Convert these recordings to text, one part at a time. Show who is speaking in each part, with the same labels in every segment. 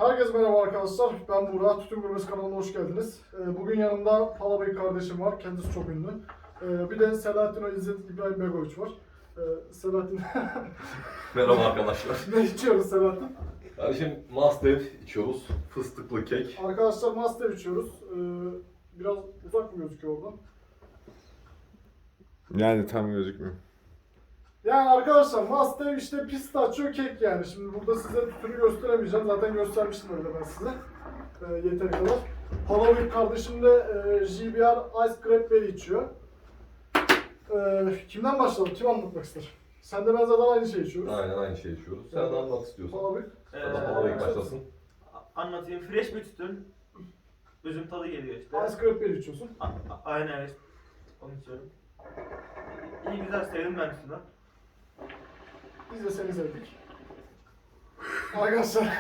Speaker 1: Herkese merhaba arkadaşlar. Ben Burak. Tütün Gurmesi kanalına hoş geldiniz. Bugün yanımda Palabey kardeşim var. Kendisi çok ünlü. Bir de Selahattin İzzet İbrahim Begoviç var. Selahattin...
Speaker 2: Merhaba arkadaşlar.
Speaker 1: Ne içiyoruz Selahattin?
Speaker 2: Kardeşim Master içiyoruz. Fıstıklı kek.
Speaker 1: Arkadaşlar Master içiyoruz. Biraz uzak mı gözüküyor oradan?
Speaker 3: Yani tam gözükmüyor.
Speaker 1: Yani arkadaşlar Master işte pistachio kek yani. Şimdi burada size tütünü gösteremeyeceğim. Zaten göstermiştim öyle ben size. Yeteri kadar. Palabey kardeşim de JBR Ice Cranberry içiyor. Kimden başlayalım? Kim anlatmak ister? Sen de ben zaten aynı şeyi içiyoruz.
Speaker 2: Aynen aynı şeyi içiyoruz. Sen de anlat istiyorsan.
Speaker 1: Palabey.
Speaker 2: Sen de Palabey başlasın.
Speaker 4: Anlatayım. Fresh bir tütün. Üzüm tadı geliyor işte.
Speaker 1: Ice Cranberry içiyorsun.
Speaker 4: Aynen evet. Onu içiyorum. İyi güzel sevdim ben tütünü.
Speaker 1: Biz de seni sevdik. Arkadaşlar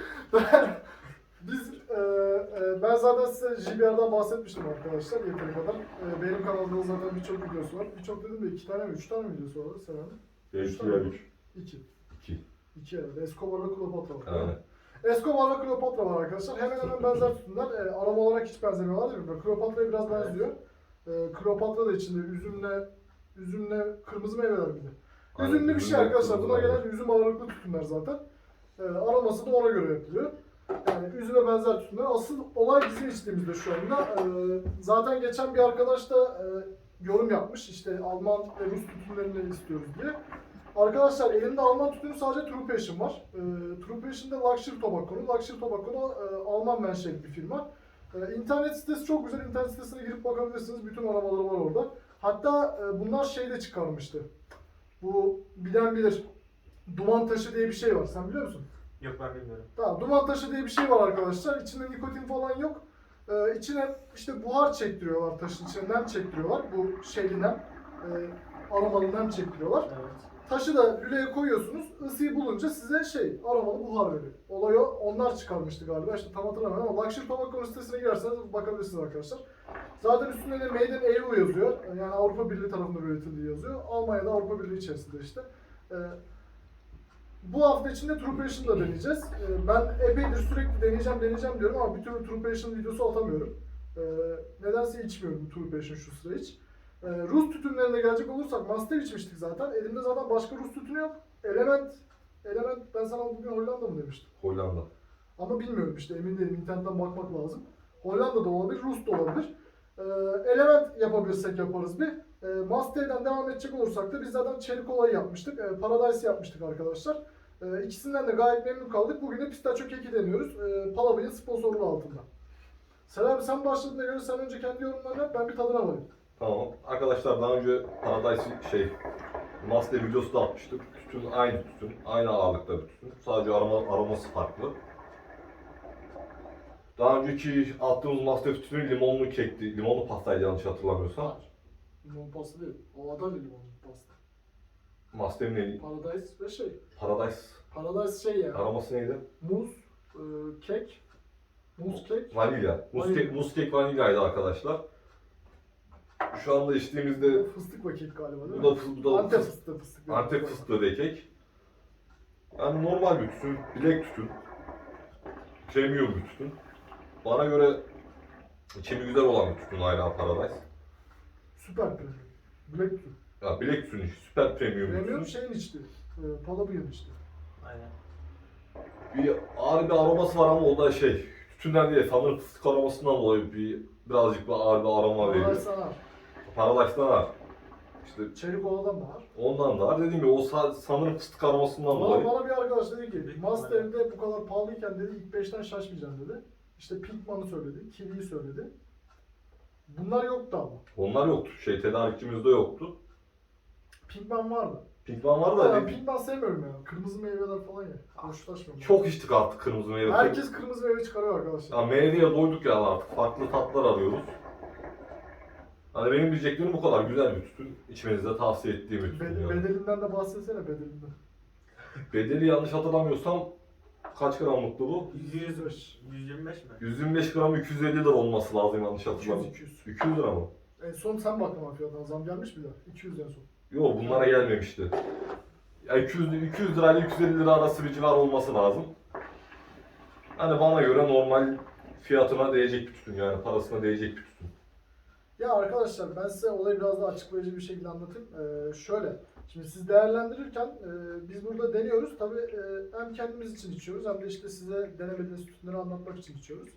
Speaker 1: ben zaten size JBR'dan bahsetmiştim arkadaşlar yeteri kadar. Benim kanalımda zaten birçok videosu var. Birçok dedim de 2 tane mi 3 tane mi videosu var Selam'ın?
Speaker 2: 5
Speaker 1: tane.
Speaker 2: 3.
Speaker 1: 2.
Speaker 2: 2.
Speaker 1: 2 evet. Escobar'la Kleopatra var.
Speaker 2: Aynen.
Speaker 1: Escobar'la Kleopatra var arkadaşlar. Hemen hemen benzer tütünler. Aroma olarak hiç benzemiyorlar değil mi? Kleopatra'ya biraz benziyor. Kleopatra da içinde üzümle kırmızı meyveler bir de.
Speaker 2: Aynen,
Speaker 1: Üzümlü bir şey
Speaker 2: üzümle
Speaker 1: arkadaşlar. Buna
Speaker 2: kırmızı
Speaker 1: gelen üzüm ağırlıklı tütünler zaten. Aroması da ona göre yapılıyor. Yani üzüme benzer tütünler. Asıl olay bizim içtiğimizde şu anda. Zaten geçen bir arkadaş da yorum yapmış. İşte Alman ve Rus tütünlerini istiyoruz diye. Arkadaşlar elimde Alman tütünü sadece True Passion var. True Passion da Luxury Tobacco'nun. Luxury Tobacco Alman menşeli bir firma. İnternet sitesi çok güzel. İnternet sitesine girip bakabilirsiniz. Bütün aromaları var orada. Hatta bunlar şeyde çıkarmıştı. Bu bilen bilir. Duman taşı diye bir şey var. Sen biliyor musun?
Speaker 4: Yok ben bilmiyorum.
Speaker 1: Tamam. Duman taşı diye bir şey var arkadaşlar. İçinde nikotin falan yok. İçine işte buhar çektiriyorlar taşın içine. Nem çektiriyorlar. Bu şeyli nem. Aromalı nem çektiriyorlar.
Speaker 4: Evet.
Speaker 1: Taşı da lüleye koyuyorsunuz. Isıyı bulunca size aromalı buhar veriyor. Olayı onlar çıkarmıştı galiba. İşte tam hatırlamıyorum ama Luxury Tobacco'nun sitesine girerseniz bakabilirsiniz arkadaşlar. Zaten üstünde de Made in EU yazıyor. Yani Avrupa Birliği tarafından üretildiği yazıyor. Almanya'da Avrupa Birliği içerisinde işte. Bu hafta içinde True Passion'ı da deneyeceğiz. Ben epeydir sürekli deneyeceğim diyorum ama bir türlü True Passion videosu atamıyorum. Nedense içmiyorum True Passion şu sıra hiç. Rus tütünlerine gelecek olursak Master içmiştik zaten. Elimde zaten başka Rus tütünü yok. Element ben sana bugün Hollanda mı demiştim?
Speaker 2: Hollanda.
Speaker 1: Ama bilmiyorum işte emin değilim. İnternetten bakmak lazım. Hollanda da olabilir, Rus da olabilir. Element yapabilirsek yaparız bir. Master'den devam edecek olursak da biz zaten Cherry Cola'yı yapmıştık. Paradise yapmıştık arkadaşlar. İkisinden de gayet memnun kaldık. Bugün de pistachio keki deniyoruz. Palabey'in sponsorluğu altında. Selam sen başladığına göre sen önce kendi yorumlarını yap, ben bir tadına varayım.
Speaker 2: Tamam. Arkadaşlar daha önce Paradise Master videosu da atmıştık. Tütün aynı tütün. Aynı ağırlıkta bir tütün. Sadece aroması farklı. Daha önceki attığımız Master tütünü limonlu kekti. Limonlu pastaydı yanlış hatırlamıyorsam.
Speaker 1: Limon pasta değil. O adam limon pasta.
Speaker 2: Master'in neydi?
Speaker 1: Paradise ve
Speaker 2: Paradise.
Speaker 1: Paradise ya.
Speaker 2: Aroması neydi?
Speaker 1: Muz, kek. Muz kek.
Speaker 2: Vanilya.
Speaker 1: Vanilya.
Speaker 2: Muz kek vanilyaydı arkadaşlar. Şu anda içtiğimizde
Speaker 1: Fıstık ve kek galiba değil
Speaker 2: bu
Speaker 1: mi?
Speaker 2: da
Speaker 1: Antep fıstığı.
Speaker 2: Antep fıstığı ve kek. Yani normal bir tütün, bilek tütün. Premium bir tütün. Bana göre içimi güzel olan bir tütün hala Paradise.
Speaker 1: Süper premium. Black tütün.
Speaker 2: Ya bilek tütünü süper premium bir
Speaker 1: Premium
Speaker 2: tütün.
Speaker 1: şeyin içti. Palabey'in içti.
Speaker 4: Aynen.
Speaker 2: Bir ağır bir aroması var ama o da tütünden değil, sanırım fıstık aromasından dolayı birazcık bir ağır bir aroma veriyor.
Speaker 1: Paradise var.
Speaker 2: Paradise'dan var. İşte
Speaker 1: Cherry Cola'dan da var.
Speaker 2: ondan da var. Dediğim gibi o sanırım fıstık aromasından dolayı.
Speaker 1: Bana bir arkadaş dedi ki
Speaker 4: Büyük
Speaker 1: Master'de bu kadar pahalıyken dedi ilk 5'ten şaşmayacağım dedi. İşte Pinkman'ı söyledi, Kiwi'yi söyledi. Bunlar yoktu ama.
Speaker 2: Onlar yoktu. Tedarikçimizde yoktu.
Speaker 1: Pinkman vardı.
Speaker 2: Pinkman var
Speaker 1: Ama
Speaker 2: da
Speaker 1: ben Pinkman sevmiyorum ya. Kırmızı meyveler falan ya. Hoşlaşmıyorum.
Speaker 2: çok içtik artık kırmızı meyve.
Speaker 1: Herkes kırmızı meyve çıkarıyor arkadaşlar.
Speaker 2: Ya meyveye doyduk ya artık. Farklı tatlar arıyoruz. Hani benim diyeceklerim bu kadar. Güzel bir tütün. İçmenizi de tavsiye ettiğim bir tütün. Yani.
Speaker 1: Bedelinden de bahsetsene bedelinden.
Speaker 2: Bedeli yanlış hatırlamıyorsam kaç gramlıktı bu?
Speaker 1: 105.
Speaker 4: 125 mi?
Speaker 2: 125 gram 250 lira olması lazım yanlış
Speaker 1: 200,
Speaker 2: hatırlamıyorum.
Speaker 1: 200.
Speaker 2: 200 lira mı?
Speaker 1: En son sen baktın ama fiyatına zam gelmiş mi daha? 200 en son.
Speaker 2: Yok bunlara gelmemişti. Ya 200 lirayla 250 lira arası bir civar olması lazım. Hani bana göre normal fiyatına değecek bir tütün, yani parasına değecek bir tütün.
Speaker 1: Ya arkadaşlar ben size olayı biraz daha açıklayıcı bir şekilde anlatayım. Şöyle, şimdi siz değerlendirirken biz burada deniyoruz. Tabii hem kendimiz için içiyoruz hem de işte size denemediğiniz tütünleri anlatmak için içiyoruz.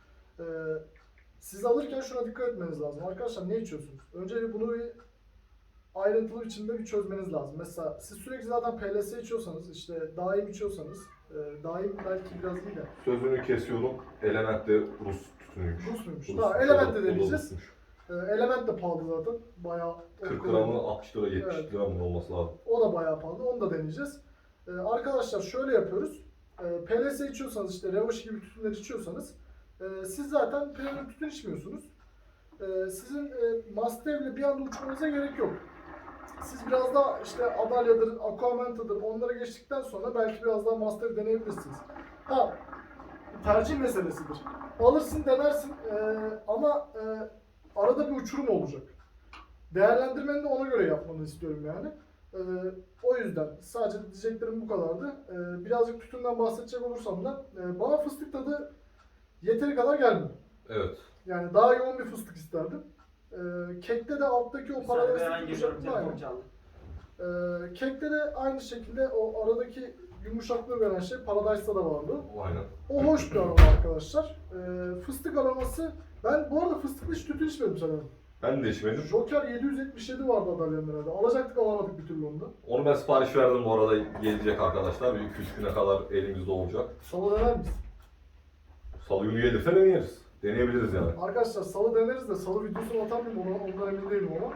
Speaker 1: Siz alırken şuna dikkat etmeniz lazım. Arkadaşlar ne içiyorsunuz? Önce bunu bir ayrıntılı biçimde bir çözmeniz lazım. Mesela siz sürekli zaten PLS içiyorsanız, işte daim içiyorsanız, daim belki biraz iyi de.
Speaker 2: Sözünü kesiyorum, Element de Rus tütünüymüş.
Speaker 1: Rus muymuş?
Speaker 2: Rus,
Speaker 1: Tamam, Element de
Speaker 2: o da
Speaker 1: deneyeceğiz.
Speaker 2: Rusmuş.
Speaker 1: Element de pahalı zaten. Bayağı
Speaker 2: 40 gramı 60 lira 70
Speaker 1: Evet.
Speaker 2: lira mı olması lazım.
Speaker 1: O da bayağı pahalı. Onu da deneyeceğiz. Arkadaşlar şöyle yapıyoruz. PLS içiyorsanız, işte Revoş gibi tütünler içiyorsanız siz zaten premium tütün içmiyorsunuz. Sizin Mastev'le bir anda uçmanıza gerek yok. Siz biraz daha işte Adalya'dır, Aquamenta'dır onlara geçtikten sonra belki biraz daha Mastev deneyebilirsiniz. Ha, tercih meselesidir. Alırsın, denersin ama arada bir uçurum olacak. Değerlendirmeni de ona göre yapmanı istiyorum yani. O yüzden sadece diyeceklerim bu kadardı. Birazcık tütünden bahsedecek olursam da bana fıstık tadı yeteri kadar gelmiyor.
Speaker 2: Evet.
Speaker 1: Yani daha yoğun bir fıstık isterdim. Kekte de alttaki o
Speaker 4: Ben
Speaker 1: paradise
Speaker 4: hemen geliyorum,
Speaker 1: yumuşaklığı aynı.
Speaker 4: telefon çaldı.
Speaker 1: Kekte de aynı şekilde o aradaki yumuşaklığı veren şey Paradise'da da vardı.
Speaker 2: Aynen.
Speaker 1: O hoş bir aroma arkadaşlar. Fıstık aroması, ben bu arada fıstıklı hiç tütün içmedim sanırım.
Speaker 2: Ben de içmedim.
Speaker 1: Joker 777 vardı Adalya'nın herhalde. Alacaktık alamadık bir türlü onu da.
Speaker 2: Onu ben sipariş verdim bu arada, gelecek arkadaşlar. Bir 2-3 güne kadar elimizde olacak.
Speaker 1: Salı dener miyiz?
Speaker 2: Salı günü gelirse deneyeriz. Deneyebiliriz yani.
Speaker 1: Arkadaşlar salı deneriz de salı videosunu atar mıyım ondan emin değilim ama.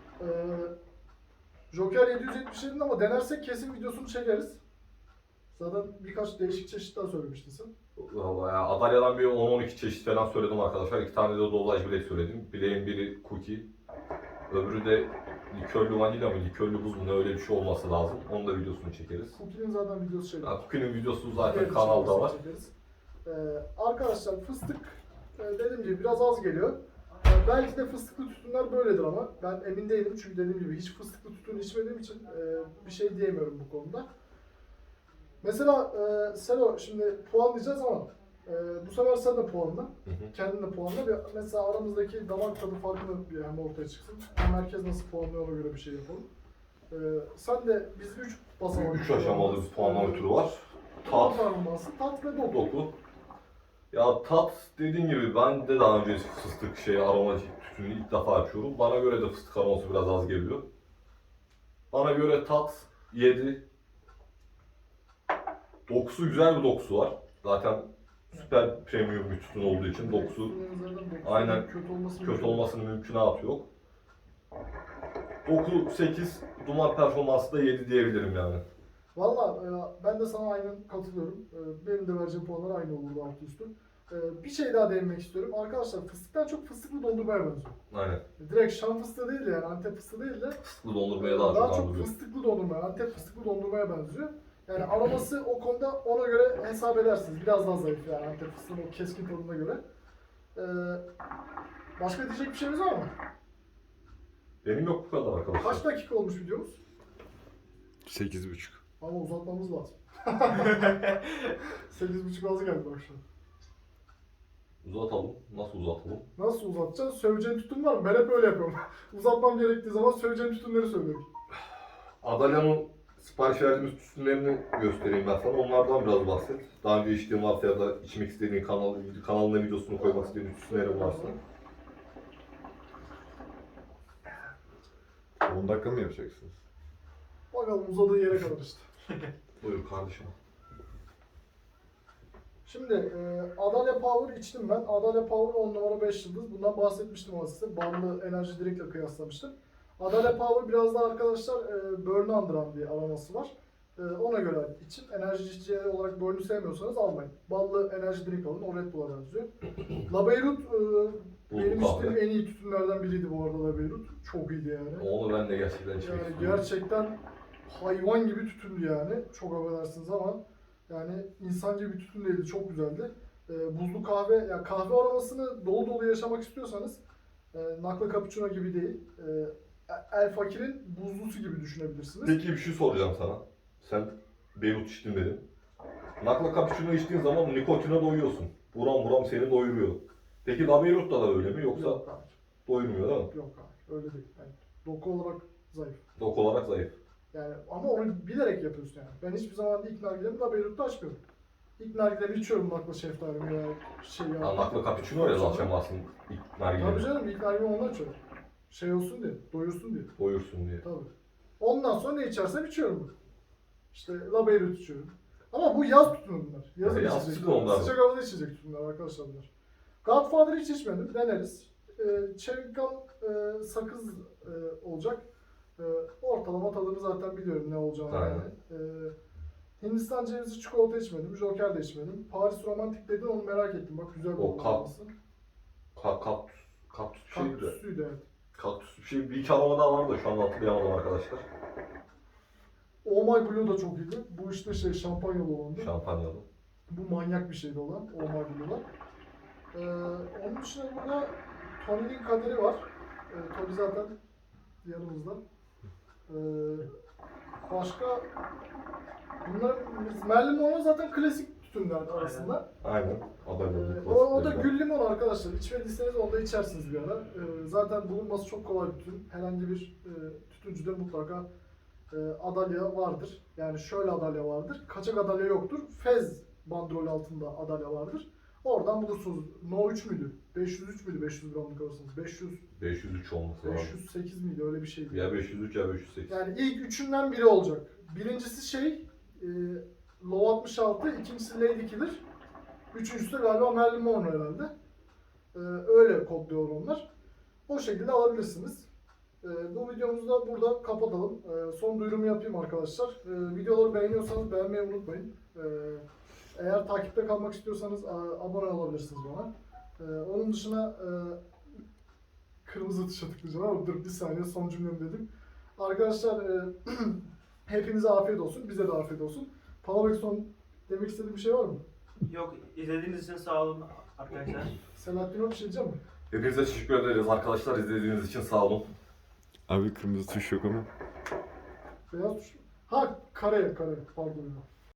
Speaker 1: Joker 777'nin ama denersek kesin videosunu çekeriz. Zaten birkaç değişik çeşit daha söylemiştin sen.
Speaker 2: Vallahi ya, Adalya'dan bir 10-12 çeşit falan söyledim arkadaşlar. 2 tane de Dolaş Black söyledim. Bileğin biri cookie. Öbürü de likörlü vanilya mı, likörlü buz mu, ne öyle bir şey olması lazım. Onun da videosunu çekeriz.
Speaker 1: Cookie'nin zaten videosu şeyde.
Speaker 2: Ya, Cookie'nin videosu zaten
Speaker 1: Diğer
Speaker 2: kanalda
Speaker 1: içeriğini
Speaker 2: var.
Speaker 1: çekeriz. Arkadaşlar fıstık dediğim gibi biraz az geliyor. Belki de fıstıklı tütünler böyledir ama ben emin değilim çünkü dediğim gibi hiç fıstıklı tütün içmediğim için bir şey diyemiyorum bu konuda. Mesela Selo şimdi puanlayacağız ama bu sefer sen de puanla.
Speaker 2: Hı hı.
Speaker 1: Kendin de puanla. Mesela aramızdaki damak tadı farkını bir hem ortaya çıksın. Hem herkes nasıl puanlıyor ona göre bir şey yapalım. Sen de biz 3 basamak.
Speaker 2: 3 aşamalı bir puanlama türü var.
Speaker 1: Tat
Speaker 2: Tat,
Speaker 1: performansı, tat ve doku.
Speaker 2: doku. Ya tat, dediğim gibi ben de daha önce fıstık aroma tütünü ilk defa açıyorum. Bana göre de fıstık aroması biraz az geliyor. Bana göre tat 7. Dokusu, güzel bir dokusu var. Zaten süper premium bir tütün olduğu için dokusu aynen kötü olmasının mümkünatı yok. Doku 8, duman performansı da 7 diyebilirim yani.
Speaker 1: Valla ben de sana aynen katılıyorum. Benim de vereceğim puanlar aynı olurdu altı üstü. Bir şey daha değinmek istiyorum. Arkadaşlar fıstıktan çok fıstıklı dondurmaya benziyor.
Speaker 2: Aynen.
Speaker 1: Direkt Şam fıstığı değil de yani Antep fıstığı değil de
Speaker 2: Fıstıklı dondurmaya daha çok andırıyor.
Speaker 1: fıstıklı dondurmaya, Antep fıstıklı dondurmaya benziyor. Yani aroması o konuda ona göre hesap edersiniz. Biraz daha zayıf yani Antep fıstığının o keskin tadına göre. Başka diyecek bir şeyimiz var mı?
Speaker 2: Benim yok bu kadar arkadaşlar.
Speaker 1: Kaç dakika olmuş videomuz?
Speaker 2: 8,5.
Speaker 1: Ama uzatmamız lazım. 8,5 az geldi bak şu an.
Speaker 2: Uzatalım. Nasıl uzatalım?
Speaker 1: Nasıl uzatacağız? Söveceğin tütün var mı? Ben hep öyle yapıyorum. Uzatmam gerektiği zaman söveceğim tütünleri söylüyorum.
Speaker 2: Adalya'nın sipariş verdiğimiz tütünlerini göstereyim ben sana. Onlardan biraz bahset. Daha önce içtiğin varsa ya da içmek istediğin kanalına videosunu koymak istediğin tütünlerin varsa.
Speaker 3: 10 dakika mı yapacaksınız?
Speaker 1: Bakalım uzadığı yere kadar işte.
Speaker 2: Buyur kardeşim.
Speaker 1: Şimdi Adalya Power içtim ben. Adalya Power 10 numara 5 yıldız. Bundan bahsetmiştim ama size. Banlı enerji drink'le kıyaslamıştım. Adalya Power biraz daha arkadaşlar Burn'u andıran bir aroması var. Ona göre için enerji içeceği olarak Burn'u sevmiyorsanız almayın. Ballı enerji drink alın. O Red Bull'a benziyor. La Beirut benim içtiğim en iyi tütünlerden biriydi bu arada La Beirut. Çok iyiydi yani.
Speaker 2: Onu ben de gerçekten içmek
Speaker 1: Yani
Speaker 2: istiyorum.
Speaker 1: gerçekten hayvan gibi tütündü yani. Çok affedersiniz ama yani insan gibi bir tütün değildi. Çok güzeldi. Buzlu kahve, yani kahve aromasını dolu dolu yaşamak istiyorsanız Nakla Cappuccino gibi değil. El Fakir'in buzlusu gibi düşünebilirsiniz.
Speaker 2: Peki bir şey soracağım sana. Sen Beyrut içtin dedin. Nakla cappuccino içtiğin zaman nikotine doyuyorsun. Buram buram seni doyuruyor. Peki Labeirut'ta da öyle mi yoksa
Speaker 1: Yok abi.
Speaker 2: doyurmuyor değil mi?
Speaker 1: Yok abi. Öyle değil. Yani doku olarak zayıf.
Speaker 2: Dok olarak zayıf.
Speaker 1: Yani ama onu bilerek yapıyorsun yani. Ben hiçbir zaman ilk nargilemi Labeirut'ta açmıyorum. İlk nargilemi içiyorum nakla şeftali veya şey ya.
Speaker 2: Ya nakla cappuccino öyle zaten aslında ilk
Speaker 1: Tabii
Speaker 2: nargile
Speaker 1: canım ilk nargilemi ondan içiyorum. Şey olsun diye, doyursun diye.
Speaker 2: doyursun diye.
Speaker 1: Tabii. Ondan sonra ne içersem içiyorum. İşte Labeirut içiyorum. Ama bu yaz tütünü bunlar. Yazın
Speaker 2: Yaz
Speaker 1: içecek.
Speaker 2: tütünü onlar.
Speaker 1: Sıcak havada içecek tütünler arkadaşlar bunlar. Godfather'ı hiç içmedim. Deneriz. Chewing gum sakız olacak. Ortalama tadını zaten biliyorum ne olacağını
Speaker 2: Aynen.
Speaker 1: yani. Hindistan cevizi çikolata içmedim. Joker de içmedim. Paris romantik dedin onu merak ettim. Bak güzel bir
Speaker 2: O
Speaker 1: olması.
Speaker 2: Kaktüs bir şeydi de.
Speaker 1: Kaktüsüydü evet.
Speaker 2: Kaktüs bir şey. Bir iki aroma daha vardı şu anda hatırlayamadım arkadaşlar.
Speaker 1: Oh My Blue da çok iyiydi. Bu işte şey şampanyalı olandı.
Speaker 2: Şampanyalı.
Speaker 1: Bu manyak bir şeydi olan. Oh My Blue'lar. Onun dışında burada Tony'nin kaderi var. Tony zaten yanımızda. Başka bunlar Merlin Monroe zaten klasik tütünler arasında.
Speaker 2: Aynen. Adamın
Speaker 1: O da gül limon arkadaşlar. İçmediyseniz onu da içersiniz bir ara. Zaten bulunması çok kolay bir tütün. Herhangi bir tütüncüde mutlaka adalya vardır. Yani şöyle adalya vardır. Kaçak adalya yoktur. Fez bandrol altında adalya vardır. Oradan bulursunuz. No 3 müydü? 503 müydü 500 gramlık alırsınız?
Speaker 2: 503 olması lazım.
Speaker 1: 508 miydi? Öyle bir şeydi.
Speaker 2: Ya 503 ya 508.
Speaker 1: Yani ilk üçünden biri olacak. Birincisi şey, Low 66, ikincisi Lady Killer. Üçüncüsü de galiba Merlin Monroe herhalde. Öyle kodluyor onlar. O şekilde alabilirsiniz. Bu videomuzu da burada kapatalım. Son duyurumu yapayım arkadaşlar. Videoları beğeniyorsanız beğenmeyi unutmayın. Eğer takipte kalmak istiyorsanız abone olabilirsiniz bana. Onun dışında kırmızı tuşa tıklayacağım ama dur bir saniye son cümlemi dedim. Arkadaşlar hepinize afiyet olsun. Bize de afiyet olsun. Palabek son demek istediğin bir şey var mı?
Speaker 4: Yok, izlediğiniz için sağ olun arkadaşlar.
Speaker 1: Selahattin bir şey diyecek mi?
Speaker 2: Hepinize teşekkür ederiz arkadaşlar izlediğiniz için sağ olun.
Speaker 3: Abi kırmızı tuş yok ama.
Speaker 1: Beyaz tuş. Ha kare pardon.